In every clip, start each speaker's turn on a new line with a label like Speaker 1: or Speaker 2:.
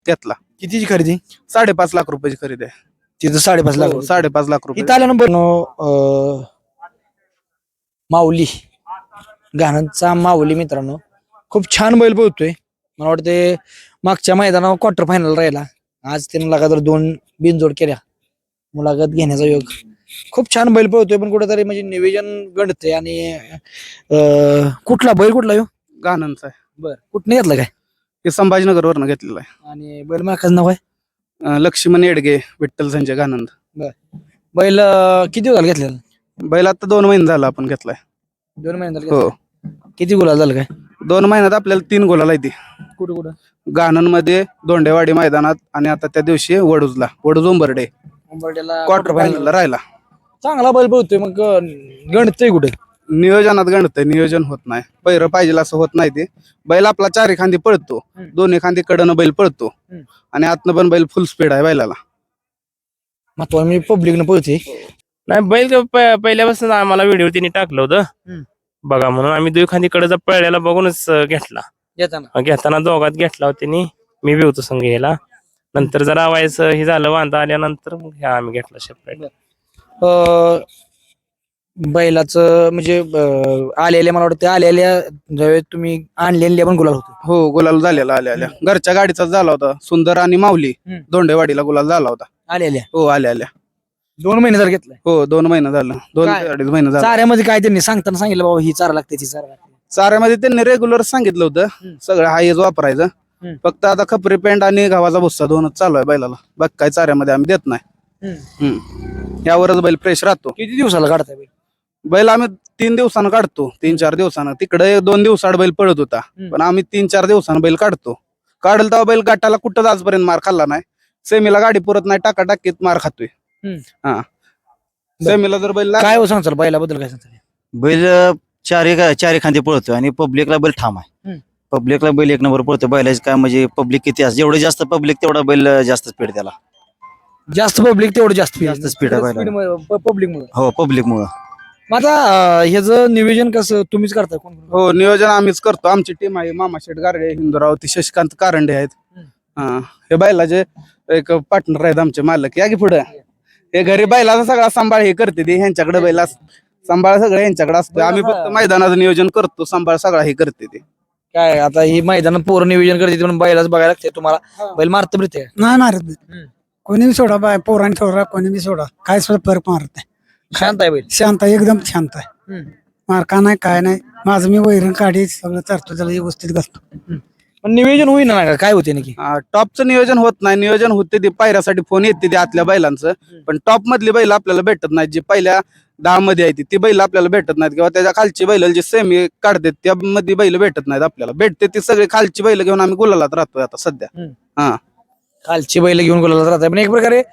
Speaker 1: त्यातला
Speaker 2: कितीची खरेदी?
Speaker 1: 5.5 लाख रुपयाची खरेदी आहे.
Speaker 2: तिथं 5.5 लाख.
Speaker 1: 5.5 लाख रुपये.
Speaker 2: इथं आल्यानंतर माऊली गाण्यांचा माऊली मित्रांनो खूप छान बैल पळतोय. मला वाटते मागच्या मैदानावर क्वार्टर फायनल राहिला. आज त्यानं लगातार 2 बिनजोड केल्या. मुलाखत घेण्याचा योग. खूप छान बैल पळतोय पण कुठेतरी म्हणजे नियोजन गणतंय आणि कुठला बैल कुठला यो?
Speaker 1: गाणंचा आहे.
Speaker 2: बर कुठनं घेतला काय?
Speaker 1: हे संभाजीनगर वरनं घेतलेला आहे.
Speaker 2: आणि बैल मालकाचं नाव आहे?
Speaker 1: लक्ष्मण येडगे विठ्ठल संजय गानंद.
Speaker 2: बैल किती दिवस झाले घेतलेला?
Speaker 1: बैल आता 2 महिने झाला आपण घेतलाय.
Speaker 2: 2 महिने झाले
Speaker 1: हो.
Speaker 2: घेतला. किती गुलाल झालं काय?
Speaker 1: 2 महिन्यात आपल्याला 3 गोलाला येते.
Speaker 2: कुठं कुठं?
Speaker 1: गाणंमध्ये, दोंडेवाडी मैदानात आणि आता त्या दिवशी वडूज उंबर्डे
Speaker 2: उंबरठ्याला
Speaker 1: क्वार्टर फायनलला राहिला.
Speaker 2: चांगला बैल पळतोय मग गणतंय कुठे?
Speaker 1: नियोजनात गणतंय, नियोजन होत नाही. पैर पाहिजे असं होत नाही. ते बैल आपला 4 खांदी पळतो, 2 खांदी कडनं बैल पळतो आणि आतनं पण बैल फुल स्पीड आहे बैलाला.
Speaker 2: मग मी पब्लिकनं पळते.
Speaker 3: नाही बैल पहिल्यापासून आम्हाला व्हिडिओ तिने टाकलं होतं बघा म्हणून आम्ही दुखांदीकडे पळल्याला बघूनच घेतला. घेताना दोघात घेतला होता तिने, मी बी होतो संघ यायला. नंतर जरा व्हायचं हे झालं वांदा आल्यानंतर मग ह्या आम्ही घेतला सेपरेट.
Speaker 2: बैलाचं म्हणजे आलेल्या मला वाटतं आलेल्या ज्यावेळेस तुम्ही आणलेल्या पण गुलाल होते.
Speaker 1: हो, गुलाल झालेला आल्या घरच्या गाडीचाच झाला होता. सुंदर आणि माऊली दोंडेवाडीला गुलाल झाला होता.
Speaker 2: आलेल्या
Speaker 1: हो, आल्या
Speaker 2: 2 महिने जर घेतलाय.
Speaker 1: हो, 2 महिने झालं. 2
Speaker 2: काय?
Speaker 1: ते 2.5 महिने झालं.
Speaker 2: चाऱ्यामध्ये काय त्यांनी सांगताना सांगितलं बाबा ही चारा लागते ती चारा लागते?
Speaker 1: चाऱ्यामध्ये त्यांनी रेग्युलर सांगितलं होतं सगळं हायच वापरायचं. फक्त आता खपरी पेंड आणि गव्हाचा भुस्सा 2च चालू आहे बैलाला. बाकी काय चाऱ्यामध्ये आम्ही देत नाही. यावरच बैल फ्रेश राहतो.
Speaker 2: किती दिवसाला काढताय बैल?
Speaker 1: बैल आम्ही 3 दिवसानं काढतो, 3-4 दिवसानं. तिकडे 2 दिवसाआड बैल पळत होता, पण आम्ही 3-4 दिवसानं बैल काढतो. काढल तेव्हा बैल गाठाला कुठं आजपर्यंत मार खाल्ला नाही. सेमीला गाडी पुरत नाही, टाकाटाकीत मार खातोय. हा, सेमीला जर बैल
Speaker 2: काय हो सांगचाल बैलाबद्दल काय सांगताल?
Speaker 4: बैल चारी खांदे पळतो आणि पब्लिकला बैल ठाम आहे. पब्लिकला बैल 1 नंबर पळतो. बैलाचे काय म्हणजे पब्लिक किती असते, जेवढे जास्त पब्लिक तेवढा बैल जास्त स्पीड त्याला.
Speaker 2: जास्त पब्लिक तेवढं जास्त
Speaker 4: स्पीड आहे बैलाला.
Speaker 2: पब्लिक मुळे.
Speaker 4: हो, पब्लिक मुळे.
Speaker 2: आता ह्याचं नियोजन कसं तुम्हीच करताय? कोण?
Speaker 1: हो, नियोजन आम्हीच करतो. आमची टीम आहे, मामा शेठ गारडे, हिंदूराव, ती शशिकांत कारंडे आहेत. हे बैलाचे एक पार्टनर आहेत आमचे मालक. या की पुढे. हे घरी बैलाचा सगळा सांभाळ हे करते ती. ह्यांच्याकडे बैला सांभाळ सगळं यांच्याकडे असतो. आम्ही फक्त मैदानाचं नियोजन करतो, सांभाळ सगळा हे करते ते.
Speaker 2: काय आता ही मैदानात पोरं नियोजन करते म्हणून बैलाच बघायला लागते तुम्हाला. बैल मारत मिळते
Speaker 5: नाही मारत नाही. कोणी बी सोडा बाय, पोरांनी सोडा, कोणी बी सोडा, काय सुद्धा फरक मारत नाही.
Speaker 2: शांत आहे बैल.
Speaker 5: शांत आहे, एकदम शांत आहे. मारका नाही, काय नाही. माझं मी वैरण काढी सगळं चारतो, त्याला व्यवस्थित घालतो.
Speaker 2: पण नियोजन होईना ना, काय होते नक्की?
Speaker 1: टॉपचं नियोजन होत नाही. नियोजन होते ते पायऱ्यासाठी फोन येते ते आतल्या बैलांचं, पण टॉप मधली बैल आपल्याला भेटत नाहीत. जी पहिल्या 10 मध्ये आहे ती बैल आपल्याला भेटत नाहीत, किंवा त्याच्या खालची बैल जी सेमी काढतात त्या मध्ये बैल भेटत नाहीत आपल्याला. भेटते ती सगळी खालची बैल घेऊन आम्ही गुलालात राहतोय आता सध्या. हा,
Speaker 2: खालची बैल घेऊन गुलाला राहताय. पण एक प्रकारे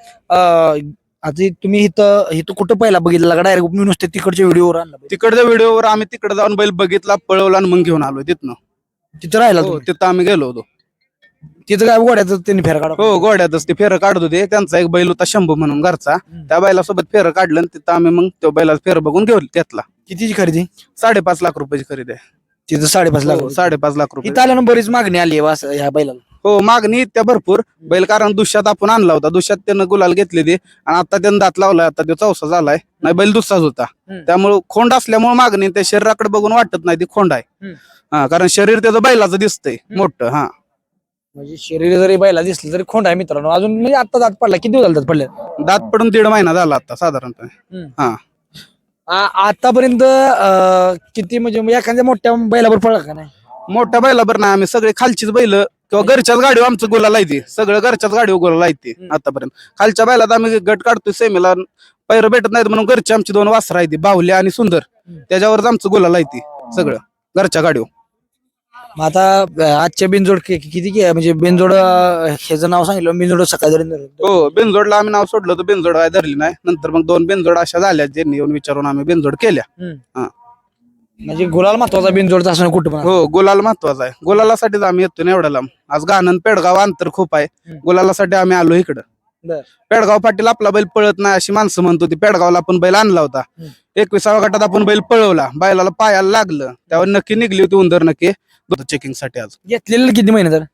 Speaker 2: आता तुम्ही इथं कुठं पहिला बघितला का डायरेक्ट मी नुसते तिकडच्या व्हिडिओवर आणला?
Speaker 1: तिकडच्या व्हिडिओवर आम्ही तिकडे जाऊन बैल बघितला, पळवला आणि मग घेऊन आलो तिथनं.
Speaker 2: तिथं राहिला
Speaker 1: हो, तिथं आम्ही गेलो होतो.
Speaker 2: तिथं काय गोड्यात त्यांनी फेर काढा?
Speaker 1: हो, गोड्यातच ते फेरं काढत होते. त्यांचा एक बैल होता शंभू म्हणून घरचा, त्या बैलासोबत फेरं काढलं आणि तिथं आम्ही मग त्या बैला फेर बघून घेऊ त्यातला.
Speaker 2: कितीची खरेदी?
Speaker 1: 5.5 लाख रुपयाची खरेदी आहे.
Speaker 2: तिथं 5.5 लाख.
Speaker 1: 5.5 लाख रुपये.
Speaker 2: इथं आल्यानं बरीच मागणी आली आहे ह्या बैलाला.
Speaker 1: हो, मागणी त्या भरपूर. बैल कारण दुष्यात आपण आणला होता, दुष्यात त्यानं गुलाल घेतले ते, आणि आता त्यानं दात लावलाय. आता तो 4सा झालाय. नाही, बैल दुसराच होता. त्यामुळे खोंड असल्यामुळे मागणी त्या शरीराकडे बघून वाटत नाही ती खोंड आहे. हा, कारण शरीर त्याचं बैलाचं दिसतंय मोठं. हा,
Speaker 2: म्हणजे शरीर जरी बैला दिसलं तरी खोंड आहे मित्रांनो. अजून म्हणजे आता दात पडला, किती दिवस झाले दात पडले?
Speaker 1: दात पडून 1.5 महिना झाला आता साधारणतः. हा,
Speaker 2: आतापर्यंत किती म्हणजे एखाद्या मोठ्या बैलावर पडला का नाही?
Speaker 1: मोठ्या बैलाबर नाही, आम्ही सगळे खालचीच बैल किंवा घरच्याच गाडीवर आमचं गुलाल आहे. सगळं घरच्याच गाडीवर गुलाल आहे आतापर्यंत. खालच्या बैलात आम्ही गट काढतोय सेमीला, पैर भेटत नाहीत म्हणून घरची आमची 2 वासरं आहेत, बाहुल्या आणि सुंदर. त्याच्यावरच आमचं गुलाल आहे सगळं घरच्या गाडीवर.
Speaker 2: आता आजच्या बिनजोड किती म्हणजे बिनजोड ह्याचं नाव सांगितलं, बिनजोड सकाळी.
Speaker 1: हो, बिनजोडला आम्ही नाव सोडलं होतं, बिनजोड काय धरली नाही. नंतर मग 2 बिनजोड अशा झाल्या, ज्यांनी येऊन विचारून आम्ही बिनजोड केल्या.
Speaker 2: म्हणजे गुलाल महत्वाचा बिनजोडचा असं कुठं पण.
Speaker 1: हो, गुलाल महत्वाचा आहे. गुलालासाठीच आम्ही येतो ना एवढ्या लांब. आज गाणं पेडगाव अंतर खूप आहे, गुलालासाठी आम्ही आलो इकडं. पेडगाव पाटील आपला बैल पळत नाही अशी माणसं म्हणत होती. पेडगावला आपण बैल आणला होता, 21व्या गटात आपण बैल पळवला, बैलाला पायाला लागलं, त्यावर नक्की निघली होती उंदर नक्की चेकिंग साठी. आज
Speaker 2: घेतलेलं किती महिने तर?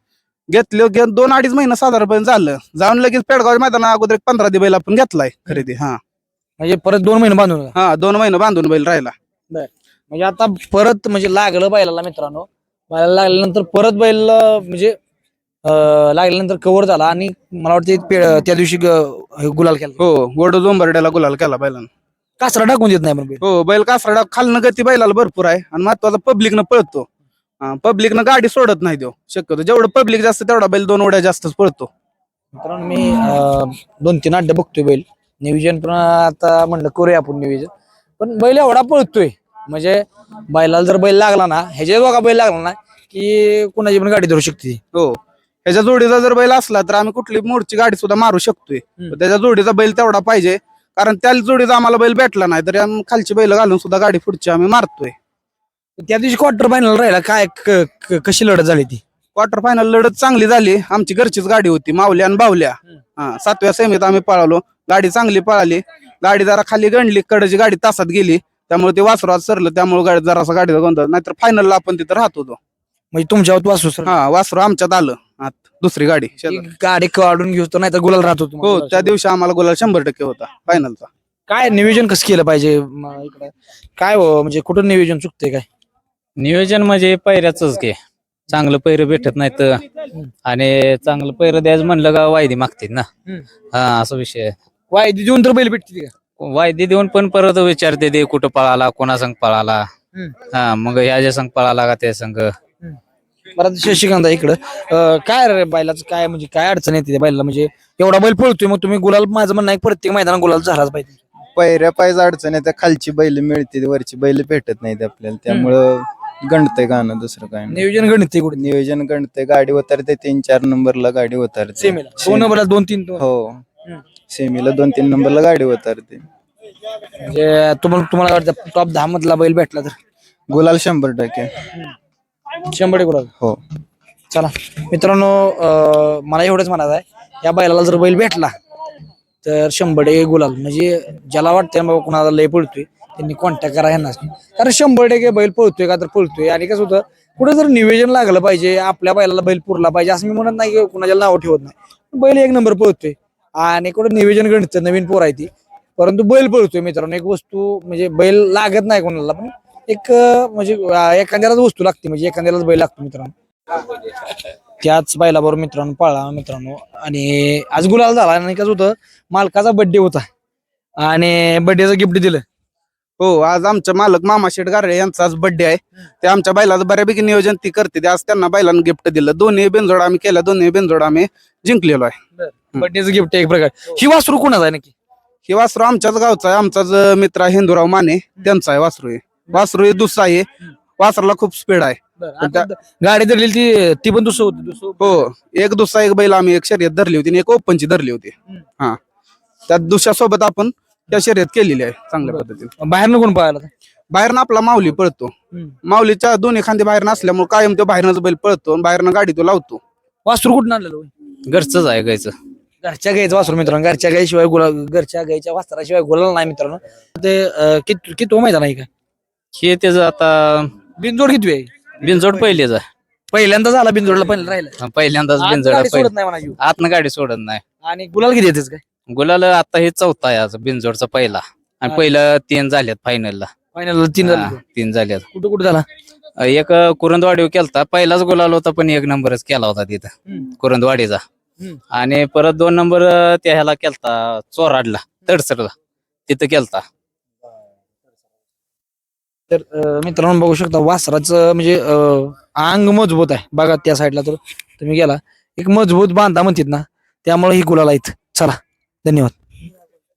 Speaker 1: घेतले 2-2.5 महिने साधारणपणे झालं. जाऊन लगेच पेडगाव मैदाना अगोदर 15 दे बैल आपण घेतलाय खरेदी.
Speaker 2: म्हणजे परत 2 महिने बांधून का?
Speaker 1: 2 महिने बांधून बैल राहिला.
Speaker 2: म्हणजे आता परत म्हणजे लागलं बैलाला मित्रांनो. बैलाला लागल्यानंतर परत बैल म्हणजे लागल्यानंतर कव्हर झाला आणि मला वाटतं त्या दिवशी गुलाल केला.
Speaker 1: हो, गोड जोंबर्ड्याला गुलाल केला बैलानं.
Speaker 2: कासरा टाकून देत नाही पण बैल.
Speaker 1: हो, बैल कासरडा खालनं गती बैलाला भरपूर आहे आणि महत्वाचा पब्लिकनं पळतो. पब्लिकनं गाडी सोडत नाही देऊ शक्यतो. जेवढं पब्लिक जास्त तेवढा बैल 2 उड्या जास्तच पळतो.
Speaker 2: मित्रांनो मी 2-3 अड्डे बघतोय बैल. नियोजन पण आता म्हणलं करूया आपण नियोजन. पण बैल एवढा पळतोय म्हणजे बैलाला जर बैल लागला ना, ह्याच्या दोघा बैल लागला ना की कोणाची पण गाडी धरू शकते.
Speaker 1: हो, ह्याच्या जोडीचा जर बैल असला तर आम्ही कुठली मोडची गाडी सुद्धा मारू शकतोय. पण त्याच्या जोडीचा बैल तेवढा पाहिजे, कारण त्या जोडीचा आम्हाला बैल भेटला नाही तरी आम्ही खालची बैल घालून सुद्धा गाडी पुढची आम्ही मारतोय.
Speaker 2: त्या दिवशी क्वार्टर फायनल राहिला काय कशी लढत झाली ती?
Speaker 1: क्वार्टर फायनल लढत चांगली झाली. आमची घरचीच गाडी होती, मावल्या आणि बावल्या. 7व्या सेमीत आम्ही पळालो. गाडी चांगली पळाली. गाडी जरा खाली गणली, कडची गाडी तासात गेली, त्यामुळे ते वासरू आज सरलं. त्यामुळे गाडी जरासा गाडीचा गोंधळ. नाहीतर फायनलला आपण तिथं राहत होतो.
Speaker 2: म्हणजे तुमच्यावर वासू सर
Speaker 1: वासरू आमच्यात आलं आत, दुसरी गाडी शेजारी.
Speaker 2: गाडी काढून घेऊ तर नाही तर गुलाल राहत होतो.
Speaker 1: हो, त्या दिवशी आम्हाला गुलाल 100% होता फायनलचा.
Speaker 2: काय नियोजन कसं केलं पाहिजे इकडं? काय म्हणजे कुठं नियोजन चुकते काय?
Speaker 6: नियोजन म्हणजे पैऱ्याच घे. चांगलं पैर भेटत नाहीत आणि चांगलं पैर द्यायचं म्हणलं का वायदी मागतील ना. असा विषय आहे.
Speaker 2: वायदी देऊन तर बैल भेटते का?
Speaker 6: वायदी देऊन पण परत विचारते ते कुठं पळाला, कोणा संग पळाला. मग ह्याच्या संग पळाला का त्या संग.
Speaker 2: बरं शशिकांत इकडं काय रे बैलाचं काय म्हणजे काय अडचण येते त्या बैलाला? म्हणजे एवढा बैल पळतोय मग तुम्ही गुलाल, माझं म्हणणं आहे प्रत्येक मैदानात गुलाल झालाच पाहिजे.
Speaker 7: पैऱ्या पाहिजे अडचण आहे, त्या खालची बैल मिळते, वरची बैल भेटत नाहीत आपल्याला, त्यामुळं गणतंय गाणं, दुसरं काय नाही.
Speaker 2: नियोजन गणित कुठे
Speaker 7: नियोजन गणतंय. गाडी उतरते 3-4 नंबरला गाडी उतरते.
Speaker 2: सेमीला 2 नंबरला 2-3
Speaker 7: हो, सेमीला 2-3 नंबरला गाडी उतरते.
Speaker 2: म्हणजे तुम्हाला वाटतं टॉप 10 मधला बैल भेटला तर
Speaker 7: गुलाल 100%.
Speaker 2: 100 गुलाल.
Speaker 7: हो,
Speaker 2: चला मित्रांनो, मला एवढंच म्हणायचं आहे, या बैलाला जर बैल भेटला तर 100% गुलाल. म्हणजे ज्याला वाटतंय बाबा कुणाला लय पळतोय त्यांनी कॉन्टॅक्ट करा यांना, कारण 100% बैल पळतोय का तर पळतोय. आणि कसं होतं, कुठे जर नियोजन लागलं पाहिजे, आपल्या बैलाला बैल पुरला पाहिजे असं मी म्हणत नाही की कुणाच्या नाव ठेवत नाही. बैल 1 नंबर पळतोय आणि कुठं नियोजन गणित नवीन पोर आहे ती, परंतु बैल पळतोय मित्रांनो. एक वस्तू म्हणजे बैल लागत नाही कोणाला, पण एक म्हणजे एखाद्यालाच वस्तू लागते, म्हणजे एखाद्यालाच बैल लागतो मित्रांनो. त्याच बैलाबरोबर मित्रांनो पळला मित्रांनो. आणि आज गुलाल झाला. आणि कसं होतं, मालकाचा बर्थडे होता आणि बर्थडेचं गिफ्ट दिलं.
Speaker 1: हो, आज आमच्या मालक मामा शेठ गारळे यांचा आज बर्थडे आहे. ते आमच्या बैलाचं बऱ्यापैकी नियोजन ती करते. आज त्यांना बैलांना गिफ्ट दिलं. 2 बिनजोड आम्ही केल्या, 2 बिनजोड आम्ही जिंकलेलो आहे.
Speaker 2: बर्थडेचं गिफ्ट एक प्रकार. ही वासरू कोणाचं आहे नक्की?
Speaker 1: हे वासरू आमच्याच गावचा आहे. आमचाच मित्र आहे हिंदूराव माने, त्यांचा आहे वासरू. वासरू दुसरा आहे. वासराला खूप स्पीड आहे.
Speaker 2: गाडी धरलेली ती पण दुसरं होती.
Speaker 1: हो, एक दुसरा एक बैल आम्ही एक शर्यत धरली होती आणि एक ओपनची धरली होती. त्यात दुसऱ्यासोबत आपण त्या शर्यत केलेली आहे चांगल्या पद्धतीने.
Speaker 2: बाहेरनं कोण पळाला?
Speaker 1: बाहेरनं आपला माऊली पळतो. माऊलीच्या दोन्ही खांदे बाहेर नसल्यामुळे कायम तो बाहेरनच बैल पळतो आणि बाहेरनं गाडी तो लावतो.
Speaker 2: वासरू कुठून आणलेलं?
Speaker 6: घरचंच आहे गायचं.
Speaker 2: घरच्या गाईचं वासरू मित्रांनो. घरच्या गाईशिवाय गुलाल, घरच्या गाईच्या वासराशिवाय गुलाल नाही मित्रांनो. ते किती मैदान आहे का
Speaker 6: हे त्याचं आता
Speaker 2: बिनजोड किती आहे?
Speaker 6: बिनजोड पहिलेच आहे.
Speaker 2: पहिल्यांदा झाला बिनजोडला, पहिला राहिला.
Speaker 6: पहिल्यांदाच
Speaker 2: आतनं
Speaker 6: बिनजोड
Speaker 2: गाडी सोडत नाही म्हणा जीव.
Speaker 6: आतनं गाडी सोडत नाही.
Speaker 2: आणि गुलाल किती येतेच काय?
Speaker 6: गुलाल आता हे 4था आहे आज बिनजोडचा पहिला. आणि पहिलं 3 झाल्यात फायनलला.
Speaker 2: फायनल 3 झाले.
Speaker 6: 3 झाल्यात.
Speaker 2: कुठं कुठं झाला?
Speaker 6: एक कुरुंदवाडी केलता, पहिलाच गुलाल होता, पण 1 नंबरच केला होता तिथं कुरुंदवाडीचा. आणि परत 2 नंबर त्या ह्याला केलता, चोराडला तडसरला, तिथं केलता.
Speaker 2: तर मित्रांनो बघू शकता वासराचं म्हणजे अंग मजबूत आहे बघा. त्या साईडला तर तुम्ही गेला, एक मजबूत बांधा म्हणतात ना, त्यामुळे ही गुलाल आहेत. चला, धन्यवाद.